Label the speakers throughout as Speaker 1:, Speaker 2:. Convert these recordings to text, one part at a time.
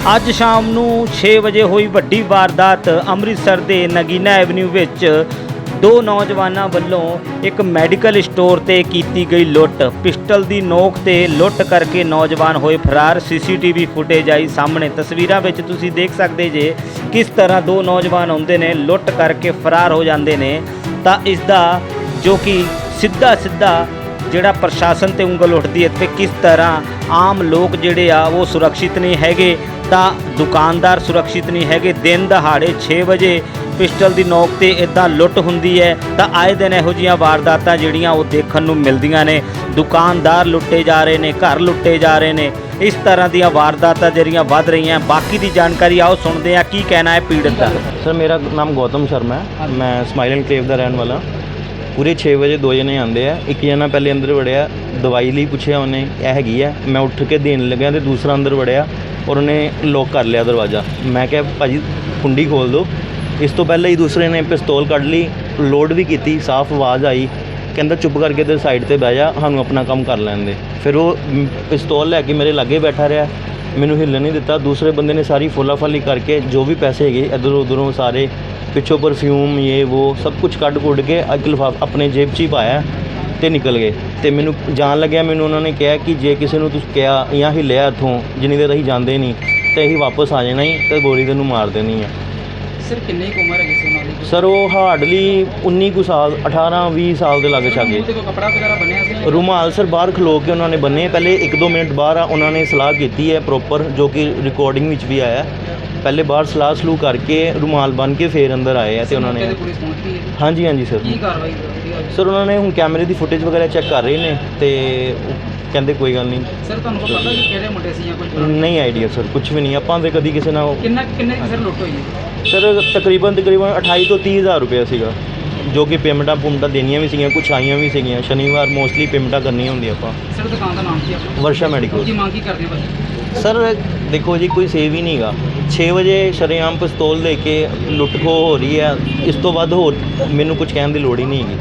Speaker 1: ਅੱਜ ਸ਼ਾਮ ਨੂੰ 6 ਵਜੇ ਹੋਈ ਵੱਡੀ ਵਾਰਦਾਤ ਅੰਮ੍ਰਿਤਸਰ ਦੇ ਨਗੀਨਾ ਐਵਨਿਊ ਵਿੱਚ ਦੋ ਨੌਜਵਾਨਾਂ ਵੱਲੋਂ ਇੱਕ ਮੈਡੀਕਲ ਸਟੋਰ ਤੇ ਕੀਤੀ ਗਈ ਲੁੱਟ। ਪਿਸਟਲ ਦੀ ਨੋਕ ਤੇ ਲੁੱਟ ਕਰਕੇ ਨੌਜਵਾਨ ਹੋਏ ਫਰਾਰ। ਸੀਸੀਟੀਵੀ ਫੁਟੇਜ ਆਈ ਸਾਹਮਣੇ। ਤਸਵੀਰਾਂ ਵਿੱਚ ਤੁਸੀਂ ਦੇਖ ਸਕਦੇ ਜੇ ਕਿਸ ਤਰ੍ਹਾਂ ਦੋ ਨੌਜਵਾਨ ਆਉਂਦੇ ਨੇ, ਲੁੱਟ ਕਰਕੇ ਫਰਾਰ ਹੋ ਜਾਂਦੇ ਨੇ। ਤਾਂ ਇਸ ਦਾ ਜੋ ਕਿ ਸਿੱਧਾ ਜਿਹੜਾ ਪ੍ਰਸ਼ਾਸਨ ਤੇ ਉਂਗਲ ਉੱਠਦੀ ਹੈ ਤੇ ਕਿਸ ਤਰ੍ਹਾਂ ਆਮ ਲੋਕ ਜਿਹੜੇ ਆ ਉਹ ਸੁਰੱਖਿਅਤ ਨਹੀਂ ਹੈਗੇ, ਤਾਂ ਦੁਕਾਨਦਾਰ ਸੁਰੱਖਿਅਤ ਨਹੀਂ ਹੈਗੇ। ਦਿਨ ਦਹਾੜੇ 6 ਵਜੇ ਪਿਸਟਲ ਦੀ ਨੋਕ ਤੇ ਇੱਦਾਂ ਲੁੱਟ ਹੁੰਦੀ ਹੈ। ਤਾਂ ਆਏ ਦਿਨ ਇਹੋ ਜਿਹੀਆਂ ਵਾਰਦਾਤਾਂ ਜਿਹੜੀਆਂ ਉਹ ਦੇਖਣ ਨੂੰ ਮਿਲਦੀਆਂ ਨੇ। ਦੁਕਾਨਦਾਰ ਲੁੱਟੇ ਜਾ ਰਹੇ ਨੇ, ਘਰ ਲੁੱਟੇ ਜਾ ਰਹੇ ਨੇ। ਇਸ ਤਰ੍ਹਾਂ ਦੀਆਂ ਵਾਰਦਾਤਾਂ ਜਿਹੜੀਆਂ ਵੱਧ ਰਹੀਆਂ। ਬਾਕੀ ਦੀ ਜਾਣਕਾਰੀ ਆਓ ਸੁਣਦੇ ਹਾਂ ਕੀ ਕਹਿਣਾ ਹੈ ਪੀੜਤ ਦਾ।
Speaker 2: ਸਰ ਮੇਰਾ ਨਾਮ ਗੌਤਮ ਸ਼ਰਮਾ ਹੈ, ਮੈਂ ਸਮਾਈਲ ਐਨਕਲੇਵ ਦਾ ਰਹਿਣ ਵਾਲਾ। ਪੂਰੇ 6 ਵਜੇ ਦੋ ਜਣੇ ਆਉਂਦੇ ਆ। ਇੱਕ ਜਣਾ ਪਹਿਲੇ ਅੰਦਰ ਵੜਿਆ, ਦਵਾਈ ਲਈ ਪੁੱਛਿਆ ਉਹਨੇ ਇਹ ਹੈਗੀ ਹੈ, ਮੈਂ ਉੱਠ ਕੇ ਦੇਣ ਲੱਗਿਆ ਤੇ ਦੂਸਰਾ ਅੰਦਰ ਵੜਿਆ ਔਰ ਉਹਨੇ ਲੋਕ ਕਰ ਲਿਆ ਦਰਵਾਜ਼ਾ। ਮੈਂ ਕਿਹਾ ਭਾਜੀ ਕੁੰਡੀ ਖੋਲ੍ਹ ਦਿਓ। ਇਸ ਤੋਂ ਪਹਿਲਾਂ ਹੀ ਦੂਸਰੇ ਨੇ ਪਿਸਤੌਲ ਕੱਢ ਲਈ, ਲੋਡ ਵੀ ਕੀਤੀ, ਸਾਫ਼ ਆਵਾਜ਼ ਆਈ, ਕਹਿੰਦਾ ਚੁੱਪ ਕਰਕੇ ਤੇ ਸਾਈਡ ਤੇ ਬਹਿ ਜਾ, ਸਾਨੂੰ ਆਪਣਾ ਕੰਮ ਕਰ ਲੈਣ ਦੇ। ਫਿਰ ਉਹ ਪਿਸਤੌਲ ਲੈ ਕੇ ਮੇਰੇ ਲਾਗੇ ਬੈਠਾ ਰਿਹਾ, ਮੈਨੂੰ ਹਿੱਲਣ ਨਹੀਂ ਦਿੱਤਾ। ਦੂਸਰੇ ਬੰਦੇ ਨੇ ਸਾਰੀ ਫੋਲਾਫਾਲੀ ਕਰਕੇ ਜੋ ਵੀ ਪੈਸੇ ਹੈਗੇ ਇੱਧਰੋਂ ਉੱਧਰੋਂ ਸਾਰੇ ਪਿੱਛੋਂ ਪਰਫਿਊਮ ਇਹ ਉਹ ਸਭ ਕੁਝ ਕੱਢ ਕੁੱਢ ਕੇ ਇੱਕ ਲਿਫਾਫਾ ਆਪਣੇ ਜੇਬ 'ਚ ਹੀ ਪਾਇਆ ਅਤੇ ਨਿਕਲ ਗਏ। ਅਤੇ ਮੈਨੂੰ ਜਾਣ ਲੱਗਿਆ, ਮੈਨੂੰ ਉਹਨਾਂ ਨੇ ਕਿਹਾ ਕਿ ਜੇ ਕਿਸੇ ਨੂੰ ਤੁਸੀਂ ਕਿਹਾ ਜਾਂ ਹਿੱਲਿਆ ਇੱਥੋਂ ਜਿੰਨੀ ਦੇਰ ਅਸੀਂ ਜਾਂਦੇ ਨਹੀਂ ਤਾਂ ਅਸੀਂ ਵਾਪਸ ਆ ਜਾਣਾ ਹੀ ਅਤੇ ਗੋਲੀ ਤੈਨੂੰ ਮਾਰ ਦੇਣੀ ਹੈ।
Speaker 3: ਸਰ ਕਿੰਨੀ ਕੁ ਉਮਰ ਹੈਗੀ ਸੀ ਉਹਨਾਂ ਦੀ?
Speaker 2: ਸਰ ਉਹ ਹਾਰਡਲੀ 19 ਕੁ ਸਾਲ, 18-20 ਸਾਲ ਦੇ ਲਾਗੇ ਛਾਗੇ।
Speaker 3: ਕੱਪੜਾ ਵਗੈਰਾ ਬੰਨਿਆ ਸੀ?
Speaker 2: ਰੁਮਾਲ ਸਰ ਬਾਹਰ ਖਲੋ ਕੇ ਉਹਨਾਂ ਨੇ ਬੰਨੇ। ਪਹਿਲੇ 1-2 ਮਿੰਟ ਬਾਹਰ ਉਹਨਾਂ ਨੇ ਸਲਾਹ ਕੀਤੀ ਹੈ ਪ੍ਰੋਪਰ, ਜੋ ਕਿ ਰਿਕਾਰਡਿੰਗ ਵਿੱਚ ਵੀ ਆਇਆ। ਪਹਿਲੇ ਬਾਹਰ ਸਲਾਹ ਕਰਕੇ ਰੁਮਾਲ ਬੰਨ੍ਹ ਕੇ ਫਿਰ ਅੰਦਰ ਆਏ ਆ ਅਤੇ ਉਹਨਾਂ ਨੇ ਹਾਂਜੀ ਸਰ।
Speaker 3: ਕੀ ਕਾਰਵਾਈ
Speaker 2: ਸਰ ਉਹਨਾਂ ਨੇ ਹੁਣ ਕੈਮਰੇ ਦੀ ਫੁਟੇਜ ਵਗੈਰਾ ਚੈੱਕ ਕਰ ਰਹੇ ਨੇ ਅਤੇ ਕਹਿੰਦੇ ਕੋਈ ਗੱਲ ਨਹੀਂ।
Speaker 3: ਸਰ ਤੁਹਾਨੂੰ ਪਤਾ ਕਿ ਕਿਹੜੇ ਮੁੰਡੇ ਸੀ ਜਾਂ ਕੁਝ?
Speaker 2: ਨਹੀਂ ਆਈਡੀਆ ਸਰ, ਕੁਝ ਵੀ ਨਹੀਂ। ਆਪਾਂ ਤਾਂ ਕਦੀ ਕਿਸੇ ਨਾਲ
Speaker 3: ਕਿੰਨੇ ਸਰ ਲੁੱਟ ਹੋਈ ਹੈ?
Speaker 2: ਸਰ ਤਕਰੀਬਨ 28 ਤੋਂ 30 ਹਜ਼ਾਰ ਰੁਪਇਆ ਸੀਗਾ, ਜੋ ਕਿ ਪੇਮੈਂਟਾਂ ਦੇਣੀਆਂ ਵੀ ਸੀਗੀਆਂ, ਕੁਛ ਆਈਆਂ ਵੀ ਸੀਗੀਆਂ। ਸ਼ਨੀਵਾਰ ਮੋਸਟਲੀ ਪੇਮੈਂਟਾਂ ਕਰਨੀਆਂ ਹੁੰਦੀਆਂ ਆਪਾਂ।
Speaker 3: ਸਰ ਦੁਕਾਨ ਦਾ ਨਾਮ ਕੀ ਆਪਣਾ?
Speaker 2: ਵਰਸ਼ਾ ਮੈਡੀਕਲ।
Speaker 3: ਕੀ ਮੰਗ ਕੀ ਕਰਦੇ ਹੋ ਭਾਜੀ?
Speaker 2: ਸਰ ਦੇਖੋ ਜੀ, ਕੋਈ ਸੇਵ ਹੀ ਨਹੀਂ ਹੈਗਾ। 6 ਵਜੇ ਸ਼ਰੇਆਮ ਪਿਸਤੌਲ ਲੈ ਕੇ ਲੁੱਟ ਖੋਹ ਹੋ ਰਹੀ ਹੈ। ਇਸ ਤੋਂ ਵੱਧ ਹੋਰ ਮੈਨੂੰ ਕੁਝ ਕਹਿਣ ਦੀ ਲੋੜ ਹੀ ਨਹੀਂ ਹੈਗੀ।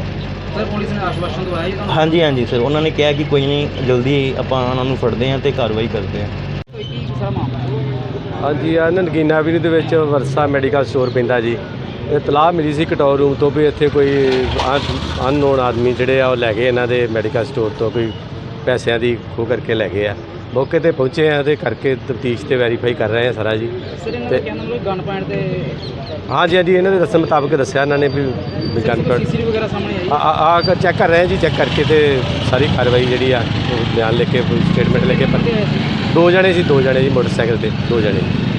Speaker 3: ਸਰ ਪੁਲਿਸ ਨੇ ਆਸ਼ਵਾਸਨ ਦਵਾਇਆ ਜੀ ਤੁਹਾਨੂੰ?
Speaker 2: ਹਾਂਜੀ ਸਰ, ਉਹਨਾਂ ਨੇ ਕਿਹਾ ਕਿ ਕੋਈ ਨਹੀਂ, ਜਲਦੀ ਆਪਾਂ ਉਹਨਾਂ ਨੂੰ ਫੜਦੇ ਹਾਂ ਅਤੇ ਕਾਰਵਾਈ ਕਰਦੇ ਹਾਂ।
Speaker 3: ਕੀ ਸਾਰਾ ਮਾਮਲਾ?
Speaker 4: ਹਾਂਜੀ ਆ ਨਗੀਨਾ ਐਵਨਿਊ ਦੇ ਵਿੱਚ ਵਰਸਾ ਮੈਡੀਕਲ ਸਟੋਰ ਪੈਂਦਾ ਜੀ। ਇਤਲਾਹ ਮਿਲੀ ਸੀ ਕੰਟਰੋਲ ਰੂਮ ਤੋਂ ਵੀ ਇੱਥੇ ਕੋਈ ਅਨਨੋਨ ਆਦਮੀ ਜਿਹੜੇ ਆ ਉਹ ਲੈ ਗਏ ਇਹਨਾਂ ਦੇ ਮੈਡੀਕਲ ਸਟੋਰ ਤੋਂ, ਕੋਈ ਪੈਸਿਆਂ ਦੀ ਖੋਹ ਕਰਕੇ ਲੈ ਗਏ ਆ। ਮੌਕੇ 'ਤੇ ਪਹੁੰਚੇ ਆ ਅਤੇ ਕਰਕੇ ਤਫਤੀਸ਼ ਤੇ ਵੈਰੀਫਾਈ ਕਰ ਰਹੇ ਆ ਸਾਰਾ ਜੀ।
Speaker 3: ਤੇ ਗਨ ਪੁਆਇੰਟ ਤੇ
Speaker 4: ਹਾਂਜੀ ਇਹਨਾਂ ਦੇ ਦੱਸਣ ਮੁਤਾਬਕ ਦੱਸਿਆ ਇਹਨਾਂ ਨੇ ਵੀ ਗਨ ਪੁਆਇੰਟ
Speaker 3: ਸੀਸੀਟੀਵੀ ਵਗੈਰਾ ਸਾਹਮਣੇ ਆਈ?
Speaker 4: ਚੈੱਕ ਕਰ ਰਹੇ ਆ ਜੀ, ਚੈੱਕ ਕਰਕੇ ਤੇ ਸਾਰੀ ਕਾਰਵਾਈ ਜਿਹੜੀ ਆ ਉਹ ਬਿਆਨ ਲਿਖ ਕੇ ਸਟੇਟਮੈਂਟ ਲੈ ਕੇ। ਦੋ ਜਣੇ ਸੀ ਮੋਟਰਸਾਈਕਲ ਤੇ, ਦੋ ਜਣੇ।